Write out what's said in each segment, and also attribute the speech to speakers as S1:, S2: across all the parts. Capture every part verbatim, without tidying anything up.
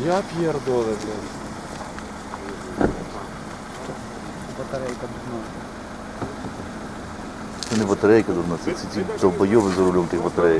S1: Я П'єр Доле, блядь.
S2: Батарейка дурна.
S3: Це не батарейка дурна, це ці довбойови за рулем тих батареїв.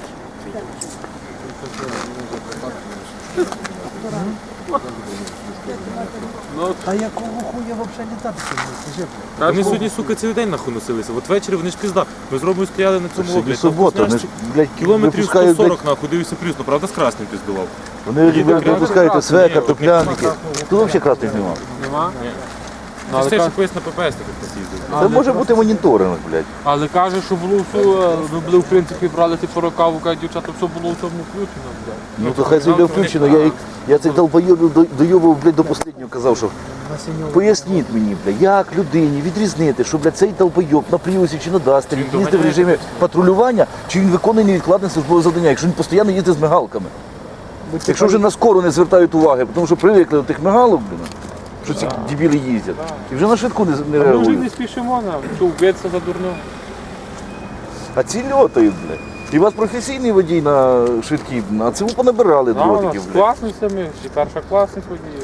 S2: А якого хуя взагалі літати сьогодні? Скажи, блядь.
S1: Вони сьогодні, сука, цілий день нахуй носилися. От ввечері вони ж пізда. Ми з Ромою стояли на цьому
S3: Сьогодні
S1: обліку.
S3: субота, вони ж, блядь,
S1: Кілометрів
S3: випускають,
S1: сто сорок
S3: блядь,
S1: нахуй, дивився плюс, ну правда з красним піздував.
S3: вони, блядь, випускають
S1: Ні,
S3: свека,
S1: тут
S3: топляники. Тут взагалі красних немає.
S4: Нема?
S1: Ні.
S4: Ну, але
S1: Це ще
S4: каже-
S1: колись на ППС так їздив.
S3: Це може бути моніторинг, блядь.
S4: Але каже, що було все, ми були в принципі брали ці порокаву, каже, дівчата, все було в цьому включено, блядь.
S3: Ну то хай зайде включено, я, їх- я цей долбойоб дойобав, блядь, до останнього казав, що
S2: Васильов.
S3: поясніть мені, блядь, як людині відрізнити, що, блядь, цей долбойоб на Пріусі чи на Дастері
S1: Він
S3: їздить в
S1: доганяє
S3: режимі патрулювання, чи він виконує невідкладне службове завдання, якщо він постійно їздить з мигалками. Якщо вже на скору не звертають уваги, тому що привикли до тих мигалок, блін, що ці дебіли їздять, і вже на швидку не, не
S4: А ми вже
S3: реагують.
S4: не спішимо, нам, що вбиться за дурню.
S3: А ці льотають, блядь. І у вас професійний водій на швидкій, а це ви понабирали
S4: Да, у нас
S3: дротиків, блядь.
S4: класницями, і першокласник водіїв.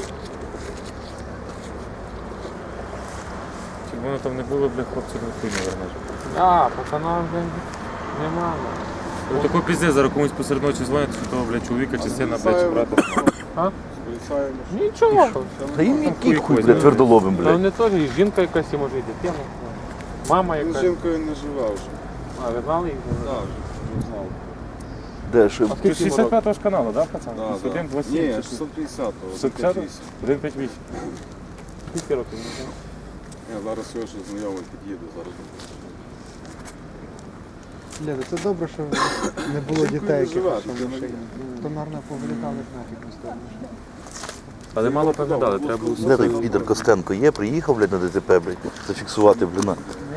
S1: Щоб воно там не було, бля, хлопців на хуй не вернеш.
S4: А, пацанам вже нема.
S1: Ну такой піздець, зараз комусь посеред ночі дзвонять, що того, блядь, чоловіка чи сина, блядь, чи брата.
S4: А? Нічого.
S3: Та їм
S1: Там
S3: який
S1: хуй
S3: хуй,
S1: возьме,
S3: блядь, твердолобим,
S4: Та
S3: блядь.
S4: вони теж, і жінка якась і може і дитина. Мама
S5: Він з
S4: якась.
S5: жінкою не живе вже.
S4: А, ви знали їх?
S5: Так, вже знав.
S3: Де, що?
S1: Ти з шістдесят п'ятого ж каналу, да, пацан?
S5: Да, да.
S1: один двадцять
S5: Ні,
S1: сім.
S5: шістсот п'ятдесятого.
S1: шістсот п'ятдесятого? один п'ятдесят вісім.
S4: Скільки років? не знаю.
S5: Я зараз його ще знайомий під'їду, зараз.
S2: Лєда, це добре, що не було
S5: Жінкою
S2: дітей,
S5: не
S2: яких
S5: живе,
S2: що в
S5: дитина
S2: машині.
S5: є.
S2: То, наверное, повилітали ж нафіг на сторону.
S1: Але мало пам'ятали, треба було.
S3: Де той підер Костенко є, приїхав, блядь, на ДТП, блядь, зафіксувати, блін.